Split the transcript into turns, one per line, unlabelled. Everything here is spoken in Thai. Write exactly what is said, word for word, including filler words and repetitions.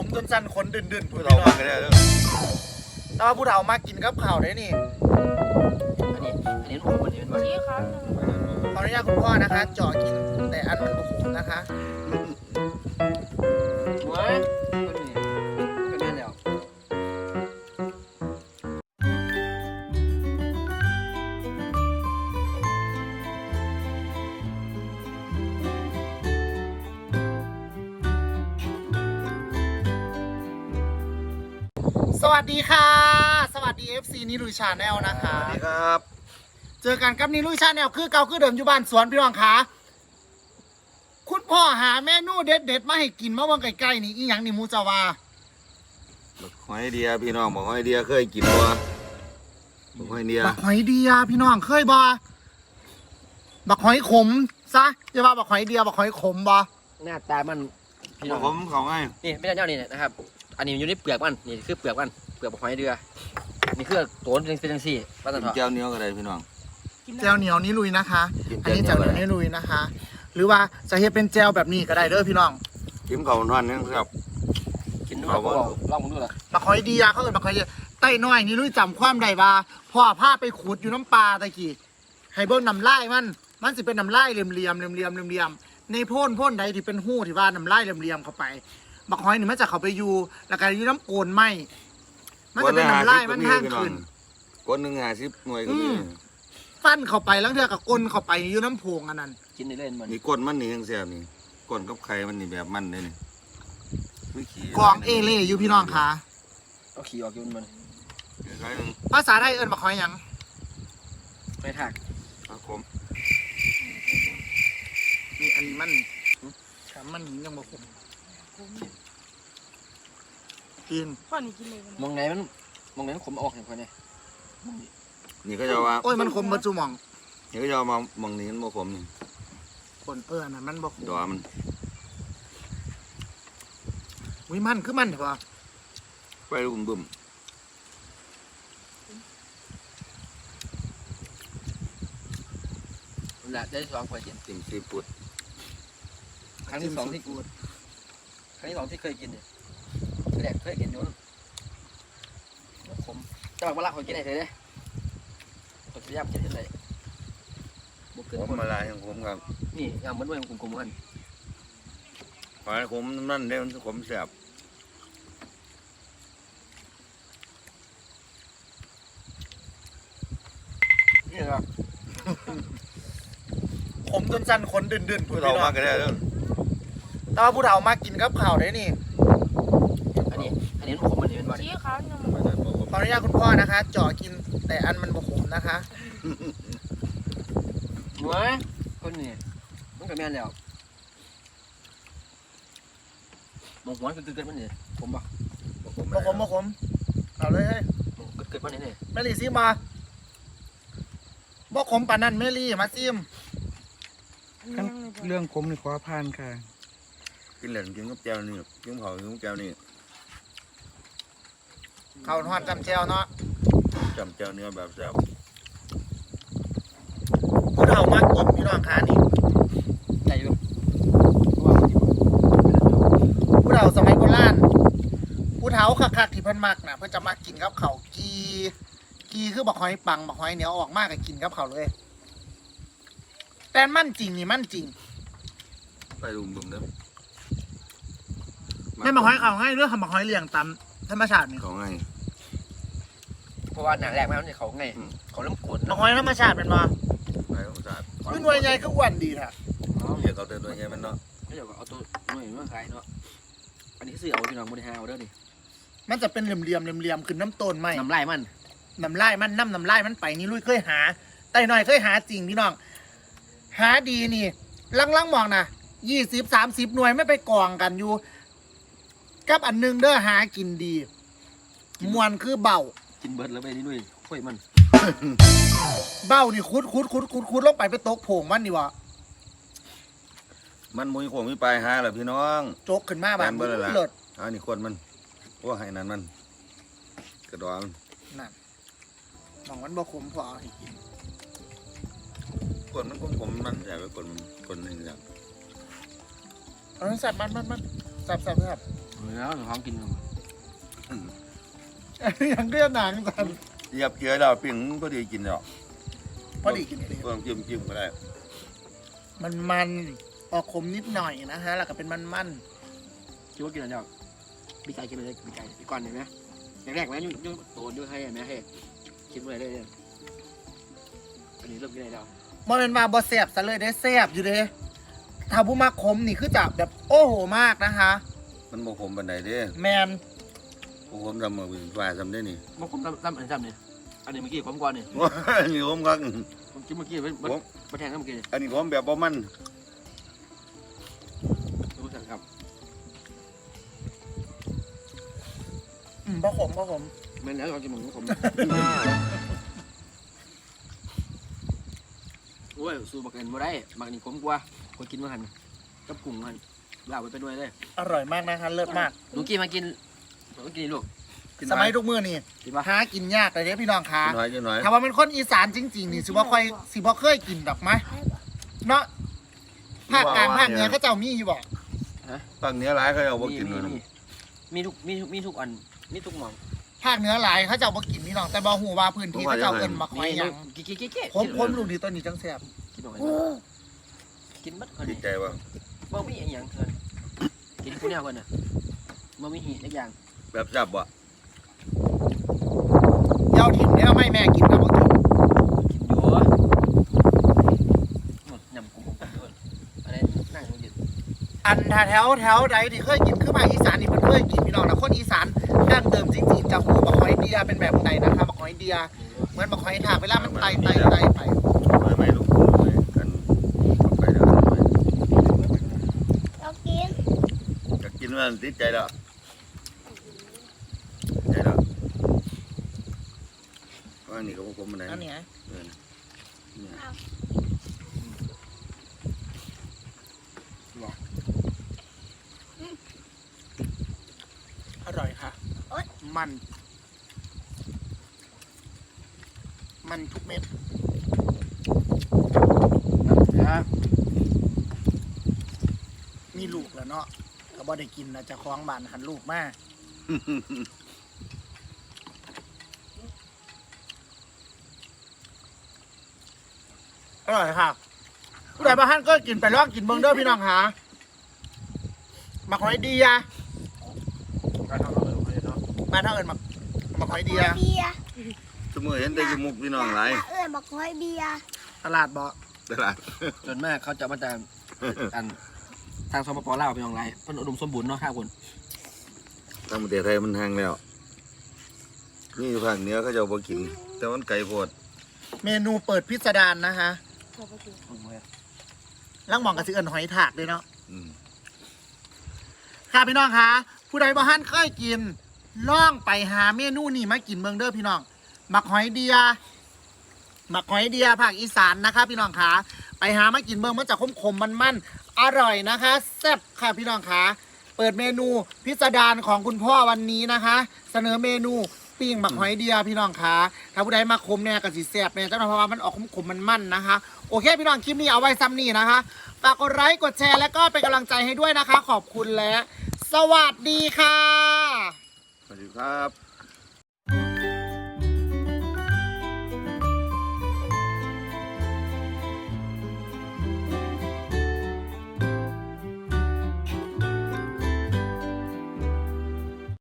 จนสั่นขนดื่นๆ
ผู้
ผู้
เฒ่า
เฒ่า
ก็ได้
แต่ว่าผู้เฒ่ามากินกับข้าวได้นี่
อันนี้อันนี้ผมอันนี้เป็นวันนี้
ขออนุญาตคุณพ่อนะคะเจาะกินแต่อันมันบุกนะคะ
หัวคนนี้ก็แม่นแล้ว
สวัสดีค่ะ สวัสดี เอฟ ซี นิรุยชาแนลนะคะ
สวัสดีครับ
เจอกันกับนิรุยชาแนลคือเก่าคือเดิมอยู่บ้านสวนพี่น้องคะคุณพ่อหาเมนูเด็ดๆมาให้กินเมื่อวันใกล้ๆนี่อีหยังนี่มูจาวา
บักหอยเดียพี่น้องบักหอยเดียเคยกินบ่บักหอยเดีย
บักหอยเดียพี่น้องเคยบ่บักหอยขมซะจะว่าบักหอยเดียบักหอยขมบ่
หน้าตามันพี่น้
บั
อก ง
ผมเขาง่าย
นี่ไม่ใช่เจ้านี่นะครับอันนี้อยู่ในเปลือกมันนี่คือเปลือกมันเปลือกหอยเดือนี่คือตัวเป็นเป็นจังซี่ป้าตัน
กิน
เถาะ
แก้วเหนียวก็ได้พี่น้อง
แจวเหนียวนิรุยนะคะ
กิน
อันนี้แจวเหนียวนิรุยนะคะ หรือว่าจะเฮ็ดเป็นแจวแบบนี้ก็ได้เด้อพี่น้อง
กินข้าวนอนนึงครับ
กินด้วยลองมึงดูล่ะ
บักหอยเดียเขาเอิ้นบักหอยเดียใต้น้อยนิรุยจำความได้ว่าพ่อพาไปขุดอยู่น้ำปลาตะกี้ให้เบิ่งน้ำลายมันมันสิเป็นน้ำลายเหลี่ยมๆเหลี่ยมๆเหลี่ยมๆเหลี่ยมๆในโพ่นโพ่นใดที่เป็นหู้ที่ว่าน้ำลายเหลี่ยมๆเข้าไปบักหอยนี่มันจะเข้าไปอยู่แล้วก็อยู่น้ำโกนไหมมันจะเป็นน้ำลายมันทางขึ้น
คนหนึ่งห้าสิบหน่วยก็มี
ฟันเข้าไปแล้วเทือกับก้นเข้าไปอยู่น้ำโพงอันนั้น
กินได้เล่นมัน
นี่ก้นมันนี่ยังแซ่บนี่ก้นกับไข่มันนี่แบบมันเลยนี่ไม่ขี้
กองเอเล่อยู่พี่น้องค่ะ
เอาขี้ออกกินมัน
ไข่หนึ่ง
ภาษาไทยเอิ้นบักหอยหยัง
ไม่ถัก
ครับผม
นี่อันนี้มันฉามันยังบ่คมกิน
พ่อนี่กินเลยวัน
มองไหนมันมองไหนมันขมออกอย่างไรเนี่ย
นี่ก็จะว่า
โอ้ยมันคมเบิดจุหมอง
นี่ก็จะมามองนี้มันบ่ผมนี่
คนเอออันนั้นมันบ่คม
ดอมัน
วิมันคือมันเถอะ
ไปลูกบึ้ม
มันละได้สองคนกิน
ติ่มซีฟู้ด
ครั้งที่สองที่กูครั้งที่สองที่เคยกินเนี่ยแรกเคยกินอยู่ขมจะบอกว่ารักคนกินไหนเถอะเนี่ยคนจะยากกินที่ไหนบุกเกิน
ผมมาลายของผมครับ
นี่ยามมันด้วยกลมๆกัน
หอยผมนั่นเด้มันผมแซ่บ
นี่ครับ
ขมจนสั่นขนดื่นๆ
ผู้
ผู้
เฒ่า
เฒ่า
มาก็ได้เด้อ
แต่ว่าผู้เฒ่ามากินกับข้าวได้นี่
อันนี้อันนี้ผมมันเป็นวัน
ชี้เขาเนี่ย
ไม่ได้บ่ผม
ขออนุญาตคุณพ่อนะคะเจาะกินแต่อันมันบ่ขมนะคะ
หัวคนนี้มันก็แม่นแล้วมองหัวคือเกิดมันนี่ผมบอก
บ่ผม
บ่ขมบ่ขมเอาเลยเฮ้ย
เกิดเกิดมันนี่นี่
แมรี่ซิมมาบ่ขมปานนั้นแมรี่มาซิม
เรื่อง
ผมนี่ขอผ่านค่ะ
กินเหล่นกินกับแก้วนี่กินข้าวกินกับแก้วนี่
ข้าวทอดจำแจวเนาะ
จำแก้วเนื้อแบบแซ่บ
ผู้เฒ่ามากินพี่น้องค่ะนี่
ใหญ่อยู่
ผู้เฒ่าสมัยโบราณผู้เฒ่าคักๆที่เพิ่นมักน่ะเพิ่นจะมากินกับข้าวกีกีคือบักหอยปังบักหอยเหนียวออกมากก็กินกับข้าวเลย แต่มันจริงนี่มันจริง
ไปลุมบึ้มเด้อ
แม่นบักหอยข้าวง่ายเรื่องทำบักหอยเลี้ยงตามธรรมชาตินี่
เขาง่าย
เพราะว่าหนังแรกมันเขาไงเขาเริ่มกด
บักหอยธรรมชาติเป็นบ่
ไปของศาสตร์
คือหน่วยใหญ่คืออ้วนดีแท้
เรียกเอาแต่ตัวใหญ่มันเนาะ
ไม่เดี๋ยวเอาตัวหน่วยมาขายเนาะอันนี้ซื้อเอาพี่น้องบริหารเอาเด้อนี่
มันจะเป็นเหลี่ยมๆเหลี่ยมๆขึ้นน้ำต้นไหม
น้ำลายมัน
น้ำลายมันน้ำน้ำลายมันไปนี่ลุยเคยหาไต่หน่อยเคยหาจริงพี่น้อง หาดีนี่ลังๆมองนะยี่สิบสามสิบหน่วยไม่ไปกองกันอยู่ กับอันหนึงเด้อหากินดีมวนคือเบา
กินเบิร์ดแล้วไปนี่ด้วยค่อยมัน
เบานี่คุดคุดคุดคุดคุดลงไปไปตกโผงมันนี่วะ
มันมุ้ยโขงมีปลายหาแหละพี่น้อง
โจกขึ้นมาแบบ
แม่นเบิดเลยล่ะ
เลิศ
อันนี้คนมันว่าให้นั้นมันกระดอง
นั่นมองมันบ่ขมพอเอาให้กิน
คนมันผมผมมันอยากไปคนมันคนหนึ่งอย่าง
เอาสัตว์มันมันมันแซ่บแซ่บแซ่บ
แล้วหนูท้องกิน
อย่างเรียกหนังสัน
เหยียบเกลือแล้วปิ้งพอดีกินแล้ว
พอดีกินเลย
เพิ่มจิ้มจิ้มก็ได้
มันมันออกขมนิดหน่อยนะฮะแล้วก็เป็นมันมัน
คิดว่ากินอะไรเจ้าปีไก่กินไปเลยปีไก่ปีก่อนเห็นไหมแรกๆไหมยุ่งยุ่งโตนยุ่งให้เห็นไหมเฮ้คิดว่าอะไรได้เลยอันนี้เริ่มกินอะไรแล้ว
ๆมันเป็นมาบอแซ่บซะเลยได้แซ่บอยู่เด้ถ้าผู้มาขมนี่คือจะแบบโอ้โหมากนะคะ
มันบ่ขมปานใดเด้
แมน
บ่ขมทำมือเป็นฟ้าทำได้นี่
มันผมตั้มอันนี้ตั้มเนี่ยอันนี้เมื่อกี้ผมก่อนเนี่ย
อันนี้ขมคัก
ผมกินเมื่อกี้มันมันแทงกันเมื่อกี้
อันนี้ขมแบบบ่มัน
รู้จักครับ
อืมบ่ขมบ่ขม
มันแล้วลองกินหมูผมโอ้ยสูบบักเกินบ่ได้บักนี่ขมกว่าคนกินมาหันกับกุ้งหันลาไปเป็นด้วยเลย
อร่อยมากนะคะเลิศมาก
หนูกินมากินหนูกินลูก
สมัยทุกมื้อนี่
กินปะ
หากินยากเลยเด้พี่น้องคะ
กินน้อยกินน้อย
ถ้าว่าเป็นคนอีสานจริงๆนี่สิบ่ค่อยสิบ่เคยกินดอกไหมเนาะภาคกลางภาคเหนือเขาเจ้ามีอยู่บ่
ฝั่งเหนี้หลายเขาเอาบ่กิน
มี
เลย
มีมีทุกมีทุกมีทุกอันมีทุกหม่อง
ภาคเหนือหลายเขาเจ้าบ่กินพี่น้องแต่บ่ฮู้ว่าพื้นที่เขาเจ้าเอิ้นมาคอยหยัง
กินกินกินกิน
ผมผมลูกดีตัวนี้จังแซ่บ
กินหน่อยกินบัดคน
ดี
นี้
ใจว่า
บ่มีอย่างเกินกินผู้แนวกันน่ะบ่มีหีทุกอย่าง
แบบจับบ่
เย้าถิ่นเนี่ยไม่แม่กินก็บ่กิน
กินอยู่ยำกุ้งอะไรนั่งอยู่
อันถ้าแถวแถวใดที่เคยกินคือภาคอีสานนี่เพิ่นเคยกินพี่น้องนะคนอีสานดั้งเดิมจริงๆจะฮู้บักหอยเดียเป็นแบบใดนะคะบักหอยเดียเหมือนบักหอยทากเวลามันไต่ไต่ไต่ไป
ไม่ไม่ลูกไม่กันเอาไปเด้อ
เรากิน
จะกินมันติดใจแล้วใจแล้วว่านี่ก็บ่ขมปานใด
อันนี้ไง
เออเนี่ย
อร่อยค่ะมัน มันทุกเม็ด
นะ
มีลูกแล้วเนาะก็บ่ได้กินนะจะคล้องบ้านหันลูกมาอร่อยค่ะผู้ใดบ้านก็กินไปลองกินเบิ่งเด้อพี่น้องหามาหอยเดีย
การทำอะไรของเนาะ
บ้านเท่าเอิญมามาหอยเดีย
เบียร์
สมมุติเห็นแต่จมูกพี่น้องหลาย
เอื้อบอกหอยเบียร์
ตลาดบ่
ตลาด
ส่วนมากเขาจะมาจากอันทางสปปลาวเป็นอย่างไรเพิ่นอุดมสมบูรณ์เนาะข้าวคน
ทางประเทศไทยมันห่างแล้ว นี่อยู่ภาคเหนือเขาจะเอาบ่กิน แต่มันไกลโพด
เมนูเปิดพิสดารนะคะลังหมองกับสิเอิญหอยถากด้วยเนาะ
อืม
ค่ะพี่น้องคะผู้ใดบ่ฮั่นเคยกินล่องไปหาเมนูนี่มากินเมืองเด้อพี่น้องหมักหอยเดียหมักหอยเดียภาคอีสานนะคะ พี่น้องคะไปหามากินเมืองมันจะขมๆมันๆอร่อยนะคะแซ่บค่ะพี่น้องคะเปิดเมนูพิสดารของคุณพ่อวันนี้นะคะ เสนอเมนูปิ้งหมักหอยเดียพี่น้องคะถ้าผู้ใดมาคมเนี่ยก็สิแซ่บเนี่ยเจ้าหน้าเพราะว่ามันออกขมๆมันๆนะคะโอเคพี่น้องคลิปนี้เอาไว้ซ้ำนี่นะคะฝากกดไลค์กดแชร์แล้วก็เป็นกำลังใจให้ด้วยนะคะ ขอบคุณและสวัสดีค่ะ
สวัสดีครับ